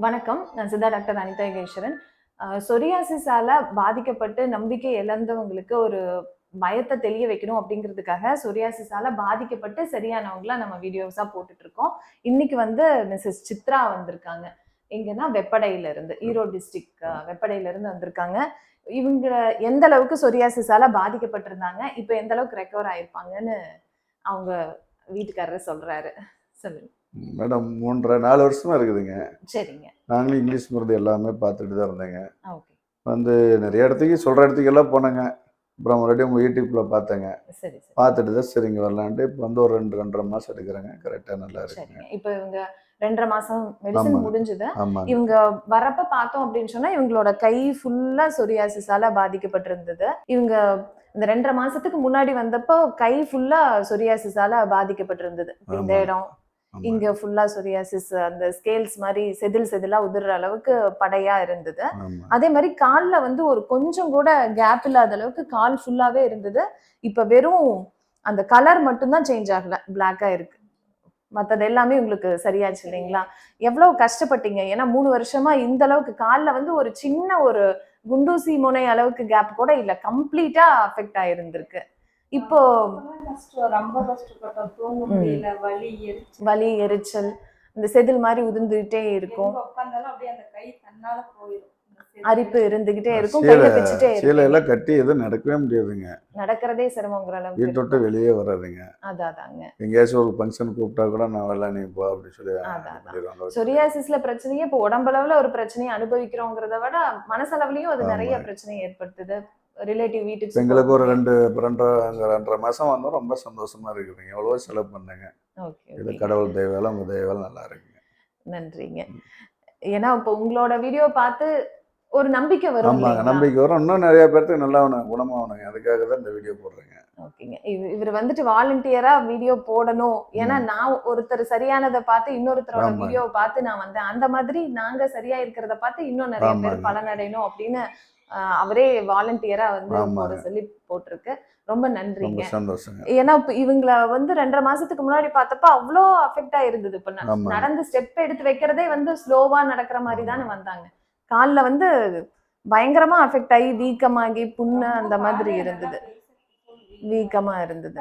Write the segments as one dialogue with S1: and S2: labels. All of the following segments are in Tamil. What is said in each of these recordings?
S1: வணக்கம். நான் சித்தா டாக்டர் அனிதா யோகேஸ்வரன். சொரியாசிஸால பாதிக்கப்பட்டு நம்பிக்கை இழந்தவங்களுக்கு ஒரு பயத்த தெளிய வைக்கணும் அப்படிங்கிறதுக்காக, சொரியாசிஸால பாதிக்கப்பட்டு சரியானவங்கள நம்ம வீடியோஸா போட்டுட்டு இருக்கோம். இன்னைக்கு வந்து மிஸ்ஸஸ் சித்ரா வந்திருக்காங்க. எங்கன்னா வெப்படையில இருந்து, ஈரோடு டிஸ்ட்ரிக்ட் வெப்படையில இருந்து வந்திருக்காங்க. இவங்க எந்த அளவுக்கு சொரியாசிஸால பாதிக்கப்பட்டிருந்தாங்க, இப்ப எந்த அளவுக்கு ரெக்கவர் ஆயிருப்பாங்கன்னு அவங்க வீட்டுக்காரர் சொல்றாரு. சொல்லுங்க.
S2: மேடம் 3 4 வருஷமா இருக்குதுங்க.
S1: சரிங்க.
S2: நாங்களும் இங்கிலீஷ் மருந்து எல்லாமே பார்த்துட்டு தான் இருந்தேங்க.
S1: ஓகே.
S2: வந்து நிறைய இடத்துக்கு சொல்கிற இடத்துக்கெல்லாம் போனேங்க. அப்புறம் மறுபடியும் உங்கள் யூடியூப்பில் பார்த்தேங்க.
S1: சரி, சரி.
S2: பார்த்துட்டு தான் சரிங்க வரலான்ட்டு இப்போ வந்து ஒரு 2, 2.5 மாதம் எடுக்கிறேங்க. கரெக்டாக நல்லா இருக்குங்க.
S1: சரிங்க. இப்ப இவங்க 2 1/2 மாசம் மெடிசின்
S2: ஆமாங்க.
S1: முடிஞ்சது.
S2: ஆமாங்க.
S1: இவங்க வரப்ப பார்த்தோம் அப்படின்னு சொன்னா, இவங்களோட கை ஃபுல்லா சொரியாசிஸால பாதிக்கப்பட்டிருந்தது. இவங்க இந்த 2 1/2 மாசத்துக்கு முன்னாடி வந்தப்போ கை ஃபுல்லா சொரியாசிஸால பாதிக்கப்பட்டிருந்தது. இந்த
S2: ஆமாங்க.
S1: இடம்,
S2: ஆமாங்க.
S1: இங்க ஃபுல்லா சொரியாசிஸ் அந்த ஸ்கேல்ஸ் மாரி செதில் செதிலா உதிர்ற அளவுக்கு படையா இருந்தது.
S2: ஆமாங்க.
S1: அதே மாரி கால்ல வந்து ஒரு கொஞ்சம் கூட கேப் இல்லாத அளவுக்கு கால் ஃபுல்லாவே இருந்தது. இப்ப வெறும் அந்த கலர் மட்டும் தான் சேஞ்ச் ஆகல. பிளாக்கா இருக்கு. மத்தது எல்லாமே உங்களுக்கு சரியாச்சு இல்லைங்களா? எவ்வளவு கஷ்டப்பட்டீங்க? ஏன்னா 3 வருஷமா இந்த அளவுக்கு கால்ல வந்து ஒரு சின்ன ஒரு குண்டூசி முனை அளவுக்கு கேப் கூட இல்ல. கம்ப்ளீட்டா அஃபெக்ட் ஆயிருந்திருக்கு. இப்போ
S3: ரொம்ப கஷ்டப்பட்டோம். தூங்க முடியல.
S1: வலி, எரிச்சல், இந்த செதில் மாரி உதிர்ந்துகிட்டே இருக்கும்.
S3: உட்கார்ந்தாலும் அப்படியே அந்த கை தன்னால போயிடும்.
S1: அரிப்பு இருந்துகிட்டே இருக்கும். கைய பிச்சுட்டே இருக்கும்.
S2: சீலையெல்லாம் கட்டி எதுவும் நடக்கவே முடியாதுங்க.
S1: நடக்கிறதே சிரமங்கிற அளவுக்கு
S2: வீட்டை விட்டு வெளியே வராதுங்க.
S1: அதாங்க.
S2: எங்கேயாச்சும் ஒரு ஃபங்க்ஷன் கூப்பிட்டா கூட நான் வரல நீ போ அப்படின்னு சொல்லி
S1: அதான். சொரியாசிஸ்ல பிரச்சனையே இப்போ உடம்பளவுல ஒரு பிரச்சனையை அனுபவிக்கிறோங்கிறத விட மனசளவுலயும் அது நிறைய பிரச்சனை ஏற்படுத்துது. ரிலேட்டிவ் வீட்டுக்கு
S2: எங்களுக்கு ஒரு 2 மாசம் வந்தோம். ரொம்ப சந்தோஷமா இருக்குதுங்க. எவ்வளவோ செலவு பண்ணேங்க. இது கடவுள் தயவால உங்க தயவால நல்லா இருக்குங்க.
S1: நன்றிங்க. ஏன்னா இப்போ உங்களோட வீடியோ பார்த்து ஒரு நம்பிக்கை வரும்.
S2: ஆமாங்க, நம்பிக்கை வரும். இன்னும் நிறைய பேருக்கு நல்லா குணமாகணுங்க. அதுக்காக தான் இந்த வீடியோ போடுறேங்க.
S1: ஓகேங்க. இவர் வந்துட்டு வாலண்டியரா வீடியோ போடணும். ஏன்னா நான் ஒருத்தர் சரியானதை பார்த்து இன்னொருத்தரோட வீடியோ பார்த்து நான் வந்தேன். அந்த மாதிரி நாங்க சரியா இருக்கிறத பார்த்து இன்னும் நிறைய பேர் பலனடையணும் அப்படின்னு அவரே வாலண்டியரா வந்து போட சொல்லி போட்டிருக்கு. ரொம்ப நன்றிங்க. ஏன்னா இவங்கள வந்து 2 1/2 மாசத்துக்கு முன்னாடி பார்த்தப்ப அவ்வளோ அஃபெக்டா இருந்தது. இப்ப நடந்து ஸ்டெப் எடுத்து வைக்கிறதே வந்து ஸ்லோவா நடக்கிற மாதிரி தானே வந்தாங்க. கால்ல வந்து பயங்கரமா அஃபெக்ட் ஆகி வீக்கமாகி புண்ணு அந்த மாதிரி இருந்தது. வீக்கமா இருந்தது.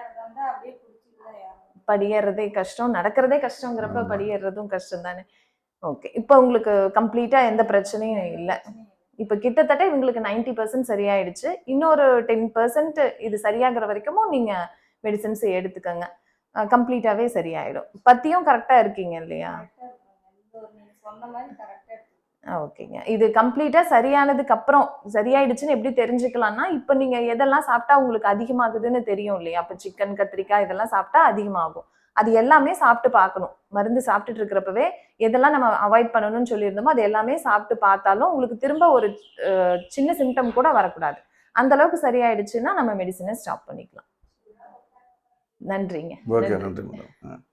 S1: படியேறதே கஷ்டம், நடக்கிறதே கஷ்டங்கிறப்ப படியேறதும் கஷ்டம் தானே. ஓகே. இப்ப உங்களுக்கு கம்ப்ளீட்டா எந்த பிரச்சனையும் இல்லை. இப்ப கிட்டத்தட்ட இவங்களுக்கு 90% சரியாயிடுச்சு. இன்னொரு 10% இது சரியாகிற வரைக்கும் நீங்க மெடிசின்ஸ் எடுத்துக்கங்க. கம்ப்ளீட்டாவே சரியாயிடும். பத்தியும் கரெக்டா இருக்கீங்க இல்லையா? ஓகேங்க. இது கம்ப்ளீட்டா சரியானதுக்கு அப்புறம் சரியாயிடுச்சுன்னு எப்படி தெரிஞ்சுக்கலாம்னா, இப்ப நீங்க எதெல்லாம் சாப்பிட்டா உங்களுக்கு அதிகமாகுதுன்னு தெரியும் இல்லையா? அப்ப சிக்கன், கத்திரிக்காய் இதெல்லாம் சாப்பிட்டா அதிகமாகும். அது எல்லாமே சாப்பிட்டு பார்க்கணும். மருந்து சாப்பிட்டுட்டு இருக்கிறப்பவே எதெல்லாம் நம்ம அவாய்ட் பண்ணணும்னு சொல்லியிருந்தோமோ அது எல்லாமே சாப்பிட்டு பார்த்தாலும் உங்களுக்கு திரும்ப ஒரு சின்ன சிம்டம் கூட வரக்கூடாது. அந்த அளவுக்கு சரியாயிடுச்சுன்னா நம்ம மெடிசினை ஸ்டாப் பண்ணிக்கலாம். நன்றிங்க.
S2: ஓகே, நன்றி மேடம்.